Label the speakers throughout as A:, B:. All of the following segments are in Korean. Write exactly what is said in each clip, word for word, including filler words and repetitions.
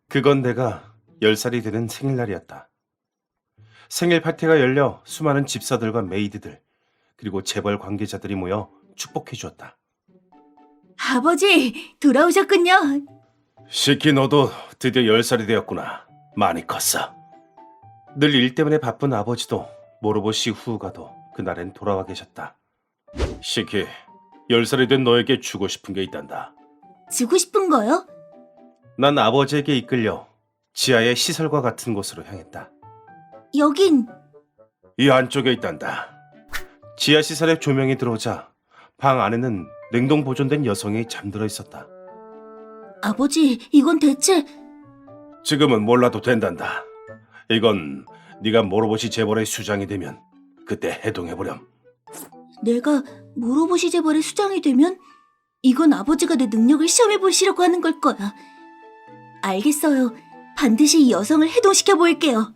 A: 그건 내가 열 살이 되는 생일날이었다. 생일 파티가 열려 수많은 집사들과 메이드들, 그리고 재벌 관계자들이 모여 축복해 주었다.
B: 아버지, 돌아오셨군요.
A: 시키 너도 드디어 열 살이 되었구나. 많이 컸어. 늘 일 때문에 바쁜 아버지도 모로보시 후우가도 그날엔 돌아와 계셨다. 시키, 열 살이 된 너에게 주고 싶은 게 있단다.
B: 주고 싶은 거요?
A: 난 아버지에게 이끌려 지하의 시설과 같은 곳으로 향했다.
B: 여긴
A: 이 안쪽에 있단다. 지하 시설에 조명이 들어오자 방 안에는 냉동 보존된 여성이 잠들어 있었다.
B: 아버지, 이건 대체...
A: 지금은 몰라도 된단다. 이건 네가 모로보시 재벌의 수장이 되면 그때 해동해보렴.
B: 내가 모로보시 재벌의 수장이 되면 이건 아버지가 내 능력을 시험해 보시려고 하는 걸 거야. 알겠어요. 반드시 이 여성을 해동시켜 볼게요.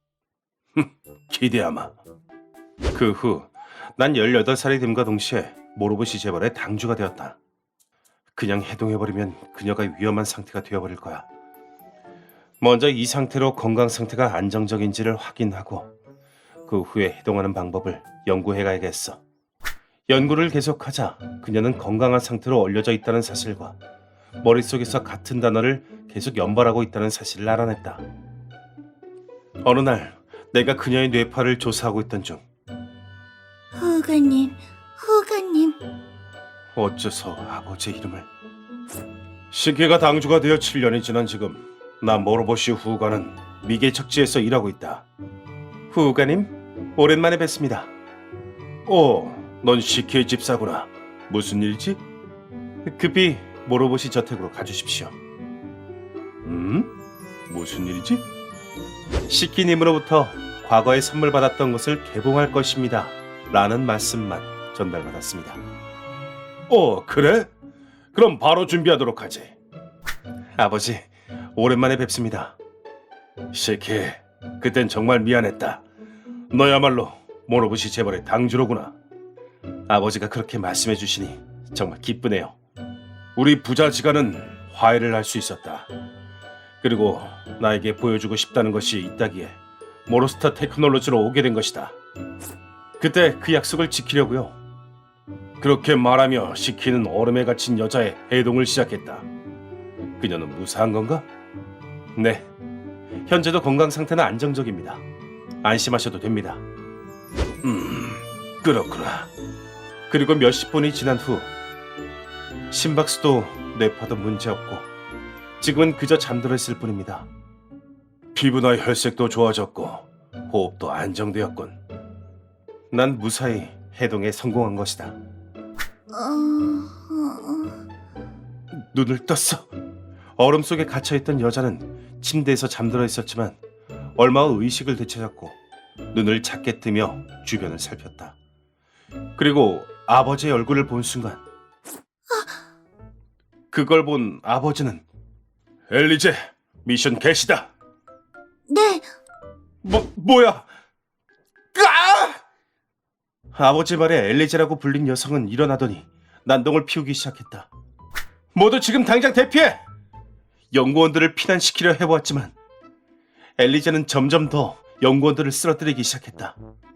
A: 기대하마. 그 후 난 열여덟 살이 됨과 동시에 모로보시 재벌의 당주가 되었다. 그냥 해동해버리면 그녀가 위험한 상태가 되어버릴 거야. 먼저 이 상태로 건강 상태가 안정적인지를 확인하고 그 후에 해동하는 방법을 연구해가야겠어. 연구를 계속하자 그녀는 건강한 상태로 얼려져 있다는 사실과 머릿속에서 같은 단어를 계속 연발하고 있다는 사실을 알아냈다. 어느 날 내가 그녀의 뇌파를 조사하고 있던 중
B: 후가님, 후가님.
A: 어째서 아버지 이름을... 시계가 당주가 되어 칠 년이 지난 지금 나 모로보시 후우가는 미개척지에서 일하고 있다. 후우가님, 오랜만에 뵙습니다. 오, 넌 시키의 집사구나. 무슨 일이지? 급히 모로보시 저택으로 가주십시오. 음? 무슨 일이지? 시키님으로부터 과거에 선물 받았던 것을 개봉할 것입니다. 라는 말씀만 전달받았습니다. 오, 그래? 그럼 바로 준비하도록 하지. 아버지, 오랜만에 뵙습니다. 시키, 그땐 정말 미안했다. 너야말로 모로보시 재벌의 당주로구나. 아버지가 그렇게 말씀해 주시니 정말 기쁘네요. 우리 부자지간은 화해를 할 수 있었다. 그리고 나에게 보여주고 싶다는 것이 있다기에 모로스타 테크놀로지로 오게 된 것이다. 그때 그 약속을 지키려고요. 그렇게 말하며 시키는 얼음에 갇힌 여자의 해동을 시작했다. 그녀는 무사한 건가? 네. 현재도 건강 상태는 안정적입니다. 안심하셔도 됩니다. 음, 그렇구나. 그리고 몇십 분이 지난 후 심박수도 뇌파도 문제없고 지금은 그저 잠들어 있을 뿐입니다. 피부나 혈색도 좋아졌고 호흡도 안정되었군. 난 무사히 해동에 성공한 것이다.
B: 어... 어...
A: 눈을 떴어. 얼음 속에 갇혀있던 여자는 침대에서 잠들어 있었지만 얼마 후 의식을 되찾았고 눈을 작게 뜨며 주변을 살폈다. 그리고 아버지의 얼굴을 본 순간 그걸 본 아버지는 엘리제, 미션 개시다.
B: 네,
A: 뭐, 뭐야? 아! 아버지 말에 엘리제라고 불린 여성은 일어나더니 난동을 피우기 시작했다. 모두 지금 당장 대피해! 연구원들을 피난시키려 해보았지만 엘리제는 점점 더 연구원들을 쓰러뜨리기 시작했다.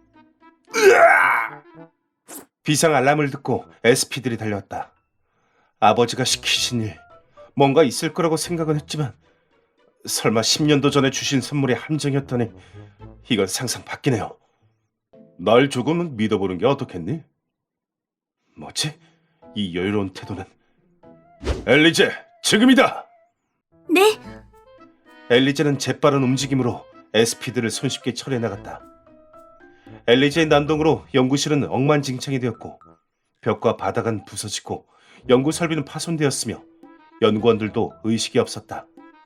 A: 으아! 비상 알람을 듣고 에스피들이 달려왔다. 아버지가 시키신 일, 뭔가 있을 거라고 생각은 했지만 설마 십 년도 전에 주신 선물이 함정이었다니 이건 상상 밖이네요. 날 조금은 믿어보는 게 어떻겠니? 뭐지? 이 여유로운 태도는... 엘리제, 지금이다!
B: 네.
A: 엘리제는 재빠른 움직임으로 에스피들을 손쉽게 처리해 나갔다. 엘리제의 난동으로 연구실은 엉망진창이 되었고 벽과 바닥은 부서지고 연구 설비는 파손되었으며 연구원들도 의식이 없었다.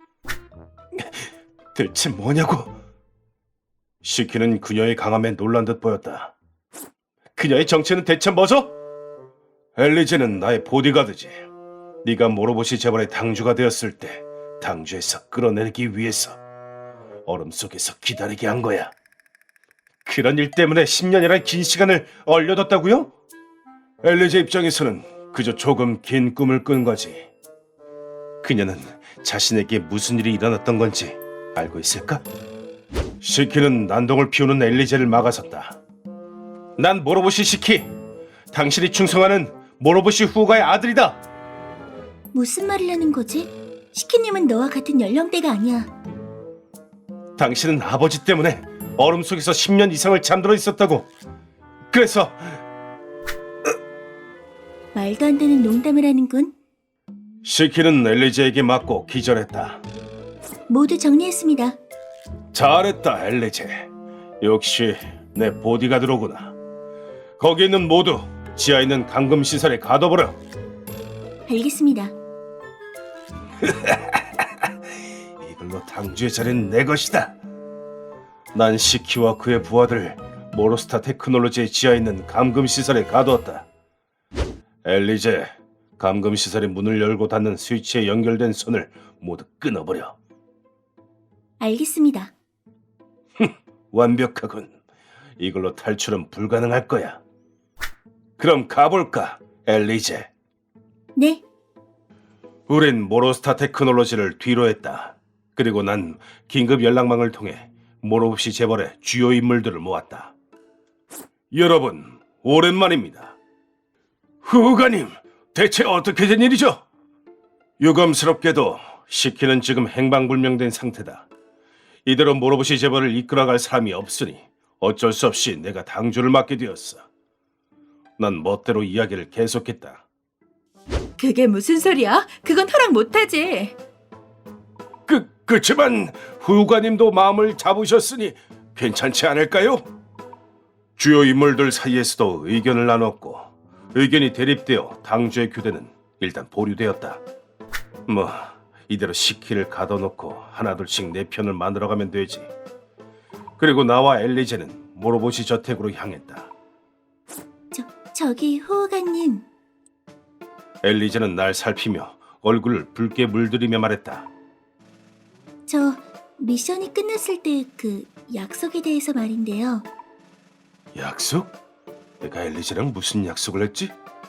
A: 대체 뭐냐고? 시키는 그녀의 강함에 놀란 듯 보였다. 그녀의 정체는 대체 뭐죠? 엘리제는 나의 보디가드지. 네가 모로보시 재벌의 당주가 되었을 때 당주에서 끌어내리기 위해서 얼음 속에서 기다리게 한 거야. 그런 일 때문에 십 년이란 긴 시간을 얼려뒀다고요? 엘리제 입장에서는 그저 조금 긴 꿈을 꾼 거지. 그녀는 자신에게 무슨 일이 일어났던 건지 알고 있을까? 시키는 난동을 피우는 엘리제를 막아섰다. 난 모로보시 시키, 당신이 충성하는 모로보시 후가의 아들이다.
B: 무슨 말을 하는 거지? 시키님은 너와 같은 연령대가 아니야.
A: 당신은 아버지 때문에 얼음 속에서 십 년 이상을 잠들어 있었다고. 그래서
B: 말도 안 되는 농담을 하는군.
A: 시키는 엘리제에게 맞고 기절했다.
B: 모두 정리했습니다.
A: 잘했다, 엘리제. 역시 내 보디가드로구나. 거기 있는 모두 지하에 있는 감금 시설에 가둬버려.
B: 알겠습니다.
A: 이걸로 당주의 자리는 내 것이다. 난 시키와 그의 부하들 모로스타 테크놀로지의 지하에 있는 감금 시설에 가두었다. 엘리제, 감금 시설의 문을 열고 닫는 스위치에 연결된 손을 모두 끊어버려.
B: 알겠습니다.
A: 완벽하군. 이걸로 탈출은 불가능할 거야. 그럼 가볼까, 엘리제?
B: 네,
A: 우린 모로스타 테크놀로지를 뒤로 했다. 그리고 난 긴급 연락망을 통해 모로보시 재벌의 주요 인물들을 모았다. 여러분, 오랜만입니다. 후가님, 대체 어떻게 된 일이죠? 유감스럽게도 시키는 지금 행방불명된 상태다. 이대로 모로보시 재벌을 이끌어갈 사람이 없으니 어쩔 수 없이 내가 당주를 맡게 되었어. 난 멋대로 이야기를 계속했다.
C: 그게 무슨 소리야? 그건 허락 못하지.
A: 그, 그치만 후가님도 마음을 잡으셨으니 괜찮지 않을까요? 주요 인물들 사이에서도 의견을 나눴고 의견이 대립되어 당주의 교대는 일단 보류되었다. 뭐 이대로 시키를 가둬놓고 하나둘씩 내 편을 만들어가면 되지. 그리고 나와 엘리제는 모로보시 저택으로 향했다.
B: 저, 저기 호우가님.
A: 엘리제는 날 살피며 얼굴을 붉게 물들이며 말했다.
B: 저 미션이 끝났을 때 그 약속에 대해서 말인데요.
A: 약속? 내가 엘리제랑 무슨 약속을 했지?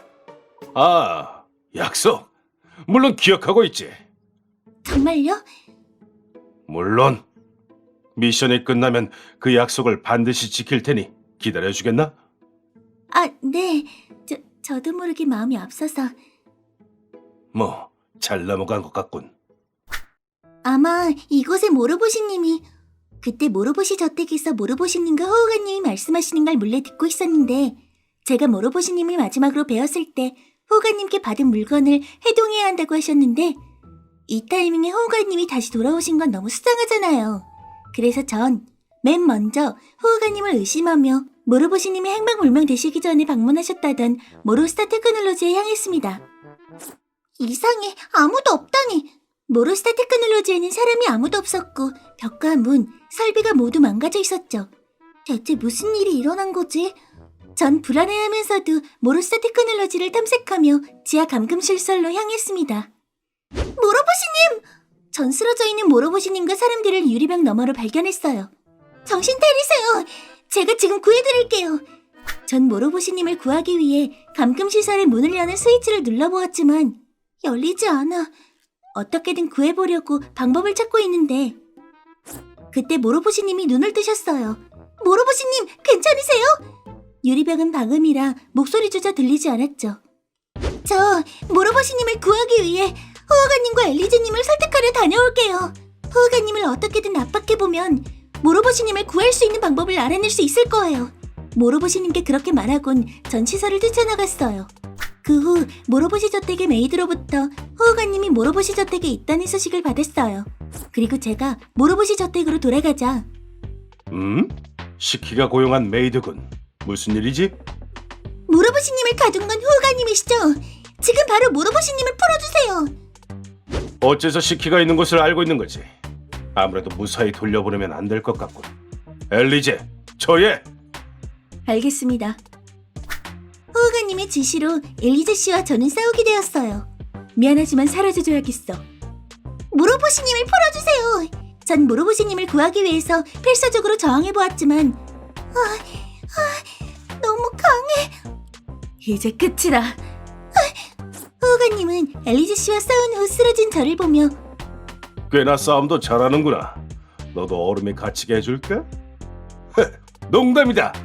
A: 아, 약속! 물론 기억하고 있지.
B: 정말요?
A: 물론. 미션이 끝나면 그 약속을 반드시 지킬 테니 기다려주겠나?
B: 아, 네. 저, 저도 모르게 마음이 앞서서.
A: 뭐, 잘 넘어간 것 같군.
B: 아마 이곳의 모로보시님이 그때 모로보시 저택에서 모로보시님과 호우가님이 말씀하시는 걸 몰래 듣고 있었는데 제가 모로보시님을 마지막으로 뵈었을 때 호우가님께 받은 물건을 해동해야 한다고 하셨는데 이 타이밍에 호우가님이 다시 돌아오신 건 너무 수상하잖아요. 그래서 전 맨 먼저 호우가님을 의심하며 모로보시님이 행방불명 되시기 전에 방문하셨다던 모로스타 테크놀로지에 향했습니다. 이상해, 아무도 없다니. 모로스타 테크놀로지에는 사람이 아무도 없었고 벽과 문, 설비가 모두 망가져 있었죠. 대체 무슨 일이 일어난 거지? 전 불안해하면서도 모로스타 테크놀로지를 탐색하며 지하 감금실설로 향했습니다. 모로보시님! 전 쓰러져 있는 모로보시님과 사람들을 유리병 너머로 발견했어요. 정신 차리세요! 제가 지금 구해드릴게요. 전 모로보시님을 구하기 위해 감금시설의 문을 여는 스위치를 눌러보았지만 열리지 않아. 어떻게든 구해보려고 방법을 찾고 있는데 그때 모로보시님이 눈을 뜨셨어요. 모로보시님, 괜찮으세요? 유리병은 방음이라 목소리조차 들리지 않았죠. 저 모로보시님을 구하기 위해 호우가님과 엘리제님을 설득하려 다녀올게요. 호우가님을 어떻게든 압박해보면 모로보시님을 구할 수 있는 방법을 알아낼 수 있을 거예요. 모로보시님께 그렇게 말하곤 전 시설을 뛰쳐나갔어요. 그 후 모로보시 저택의 메이드로부터 호우가님이 모로보시 저택에 있다는 소식을 받았어요. 그리고 제가 모로보시 저택으로 돌아가자.
A: 음? 시키가 고용한 메이드군. 무슨 일이지?
B: 모로보시님을 가둔 건 호우가님이시죠? 지금 바로 모로보시님을 풀어주세요.
A: 어째서 시키가 있는 곳을 알고 있는 거지? 아무래도 무사히 돌려보내면 안 될 것 같군. 엘리제, 저예!
B: 알겠습니다. 호우가님의 지시로 엘리제 씨와 저는 싸우게 되었어요. 미안하지만 사라져줘야겠어. 모로보시님을 풀어주세요. 전 모로보시님을 구하기 위해서 필사적으로 저항해보았지만 아, 아, 너무 강해.
C: 이제 끝이다.
B: 호우가님 호우가님은 엘리제 씨와 싸운 후 쓰러진 저를 보며
A: 꽤나 싸움도 잘하는구나. 너도 얼음에 갇히게 해줄까? 농담이다.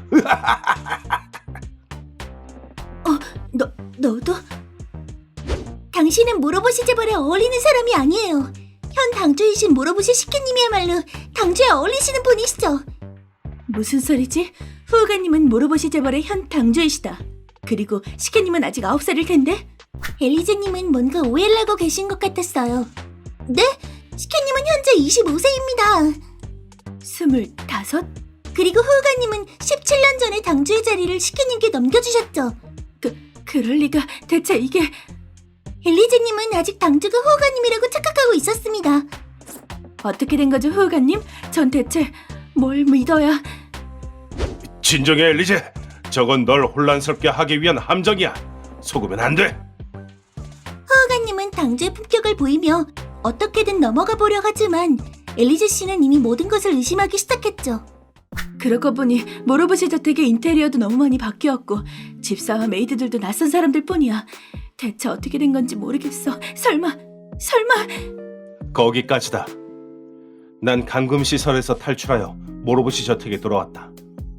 B: 너, 너도? 당신은 모로보시 재벌에 어울리는 사람이 아니에요. 현 당주이신 모로보시 시케님이야말로 당주에 어울리시는 분이시죠.
C: 무슨 소리지? 후우가님은 모로보시 재벌의 현 당주이시다. 그리고 시케님은 아직 아홉 살일 텐데?
B: 엘리제님은 뭔가 오해를 하고 계신 것 같았어요. 네? 시케님은 현재 이십오 세입니다.
C: 스물다섯?
B: 그리고 후우가님은 십칠 년 전에 당주의 자리를 시케님께 넘겨주셨죠.
C: 그, 그럴 리가. 대체 이게...
B: 엘리제님은 아직 당주가 후우가님이라고 착각하고 있었습니다.
C: 어떻게 된 거죠, 후우가님? 전 대체 뭘 믿어야...
A: 진정해, 엘리제. 저건 널 혼란스럽게 하기 위한 함정이야. 속으면 안 돼.
B: 후우가님은 당주의 품격을 보이며 어떻게든 넘어가 보려 하지만 엘리제 씨는 이미 모든 것을 의심하기 시작했죠.
C: 그러고 보니 모로보시 저택의 인테리어도 너무 많이 바뀌었고 집사와 메이드들도 낯선 사람들 뿐이야. 대체 어떻게 된 건지 모르겠어. 설마, 설마...
A: 거기까지다. 난 감금 시설에서 탈출하여 모로보시 저택에 돌아왔다.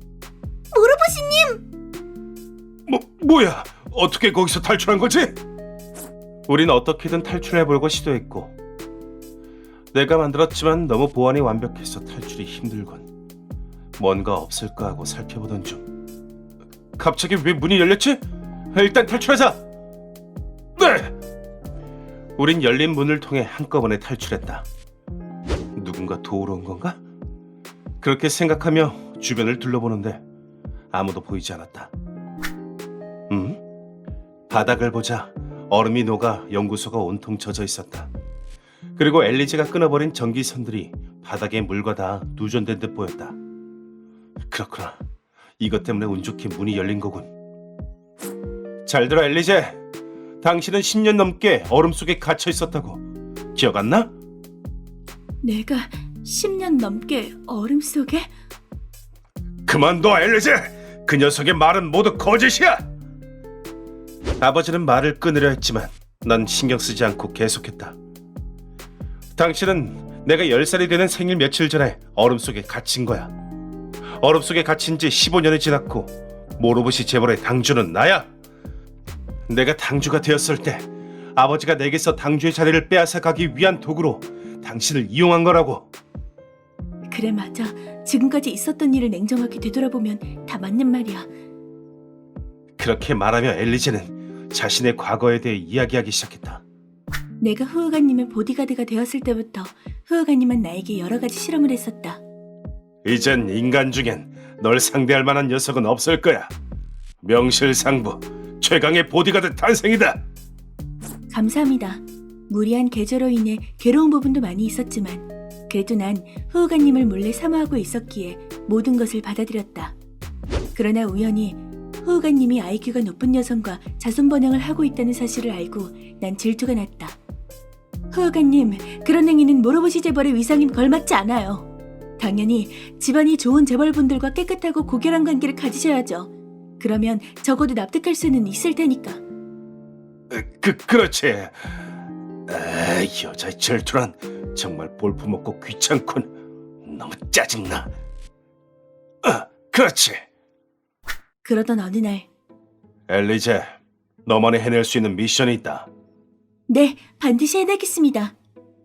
B: 모로보시님!
A: 뭐 뭐야? 어떻게 거기서 탈출한 거지? 우린 어떻게든 탈출해보려고 시도했고 내가 만들었지만 너무 보안이 완벽해서 탈출이 힘들군. 뭔가 없을까 하고 살펴보던 중 갑자기 왜 문이 열렸지? 일단 탈출하자! 네! 우린 열린 문을 통해 한꺼번에 탈출했다. 누군가 도우러 온 건가? 그렇게 생각하며 주변을 둘러보는데 아무도 보이지 않았다. 음? 바닥을 보자 얼음이 녹아 연구소가 온통 젖어 있었다. 그리고 엘리제가 끊어버린 전기선들이 바닥에 물과 다 누전된 듯 보였다. 그렇구나. 이것 때문에 운 좋게 문이 열린 거군. 잘 들어, 엘리제. 당신은 십 년 넘게 얼음 속에 갇혀 있었다고. 기억 안 나?
C: 내가 십 년 넘게 얼음 속에?
A: 그만둬, 엘리제. 그 녀석의 말은 모두 거짓이야. 아버지는 말을 끊으려 했지만 난 신경 쓰지 않고 계속했다. 당신은 내가 열 살이 되는 생일 며칠 전에 얼음 속에 갇힌 거야. 얼음 속에 갇힌 지 십오 년이 지났고 모로보시 재벌의 당주는 나야. 내가 당주가 되었을 때 아버지가 내게서 당주의 자리를 빼앗아 가기 위한 도구로 당신을 이용한 거라고.
C: 그래, 맞아. 지금까지 있었던 일을 냉정하게 되돌아보면 다 맞는 말이야.
A: 그렇게 말하며 엘리제는 자신의 과거에 대해 이야기하기 시작했다.
C: 내가 후우가님의 보디가드가 되었을 때부터 후우가님은 나에게 여러 가지 실험을 했었다.
A: 이젠 인간 중엔 널 상대할 만한 녀석은 없을 거야. 명실상부 최강의 보디가드 탄생이다.
C: 감사합니다. 무리한 계절로 인해 괴로운 부분도 많이 있었지만 그래도 난 후우가님을 몰래 사모하고 있었기에 모든 것을 받아들였다. 그러나 우연히 후우가님이 아이큐가 높은 여성과 자손 번영을 하고 있다는 사실을 알고 난 질투가 났다. 후우가님, 그런 행위는 모로보시 재벌의 위상에 걸맞지 않아요. 당연히 집안이 좋은 재벌분들과 깨끗하고 고결한 관계를 가지셔야죠. 그러면 적어도 납득할 수는 있을 테니까.
A: 그, 그렇지. 에이, 여자의 질투란 정말 볼품없고 귀찮군. 너무 짜증나. 어, 그렇지.
C: 그러던 어느 날,
A: 엘리제, 너만이 해낼 수 있는 미션이 있다.
C: 네, 반드시 해내겠습니다.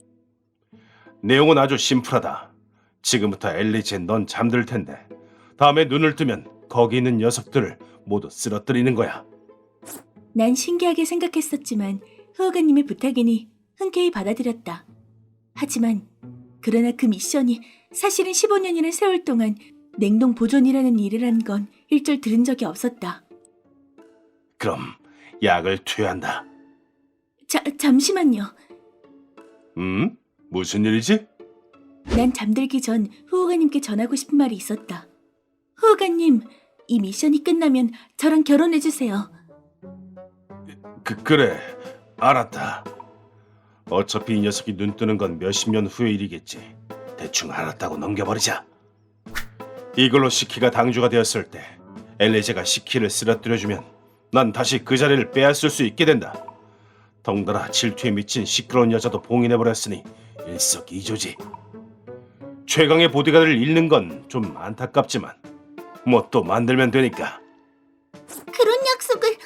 A: 내용은 아주 심플하다. 지금부터 엘리제 넌 잠들 텐데 다음에 눈을 뜨면 거기 있는 녀석들을 모두 쓰러뜨리는 거야.
C: 난 신기하게 생각했었지만 후우가님의 부탁이니 흔쾌히 받아들였다. 하지만 그러나 그 미션이 사실은 십오 년이라는 세월 동안 냉동 보존이라는 일을 한 건 일절 들은 적이 없었다.
A: 그럼 약을 투여한다.
C: 자, 잠시만요.
A: 음? 무슨 일이지?
C: 난 잠들기 전 후우가님께 전하고 싶은 말이 있었다. 후우가님, 이 미션이 끝나면 저랑 결혼해주세요.
A: 그, 그래, 알았다. 어차피 이 녀석이 눈 뜨는 건 몇십 년 후의 일이겠지. 대충 알았다고 넘겨버리자. 이걸로 시키가 당주가 되었을 때 엘리제가 시키를 쓰러뜨려주면 난 다시 그 자리를 빼앗을 수 있게 된다. 덩달아 질투에 미친 시끄러운 여자도 봉인해버렸으니 일석이조지. 최강의 보디가드를 잃는 건 좀 안타깝지만 뭐 또 만들면 되니까.
B: 그런 약속을...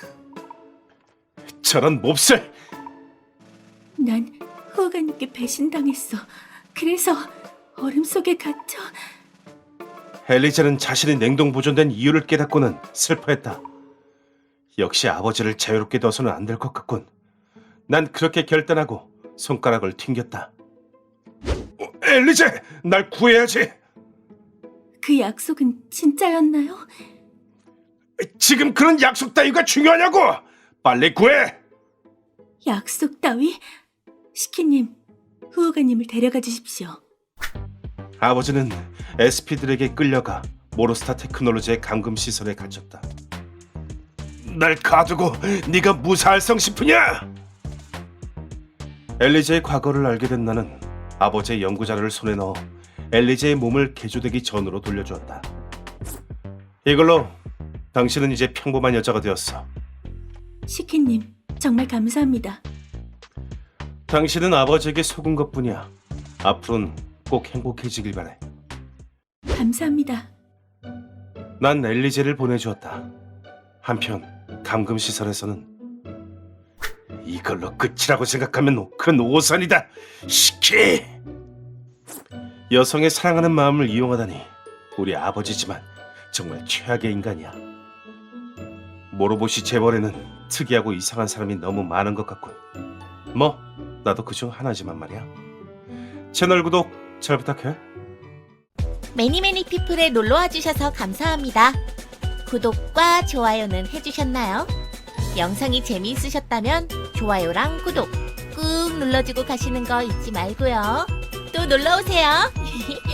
A: 저런 몹쓸!
C: 난 후우가님께 배신당했어. 그래서 얼음 속에 갇혀.
A: 엘리제는 자신이 냉동 보존된 이유를 깨닫고는 슬퍼했다. 역시 아버지를 자유롭게 둬서는 안 될 것 같군. 난 그렇게 결단하고 손가락을 튕겼다. 어, 엘리제! 날 구해야지!
C: 그 약속은 진짜였나요?
A: 지금 그런 약속 따위가 중요하냐고! 빨리 구해!
C: 약속 따위? 시키님, 후우가님을 데려가 주십시오.
A: 아버지는 에스피들에게 끌려가 모로스타 테크놀로지의 감금 시설에 갇혔다. 날 가두고 네가 무사할성 싶으냐? 엘리제의 과거를 알게 된 나는 아버지의 연구 자료를 손에 넣어 엘리제의 몸을 개조되기 전으로 돌려주었다. 이걸로 당신은 이제 평범한 여자가 되었어.
C: 시키님, 정말 감사합니다.
A: 당신은 아버지에게 속은 것뿐이야. 앞으로는 꼭 행복해지길 바래.
C: 감사합니다.
A: 난 엘리제를 보내주었다. 한편 감금시설에서는 이걸로 끝이라고 생각하면 큰 오산이다. 시키! 여성의 사랑하는 마음을 이용하다니 우리 아버지지만 정말 최악의 인간이야. 모로보시 재벌에는 특이하고 이상한 사람이 너무 많은 것 같군. 뭐 나도 그중 하나지만 말이야. 채널 구독 잘 부탁해.
D: 매니매니 피플에 놀러와 주셔서 감사합니다. 구독과 좋아요는 해주셨나요? 영상이 재미있으셨다면 좋아요랑 구독 꾹 눌러주고 가시는 거 잊지 말고요. 또 놀러오세요.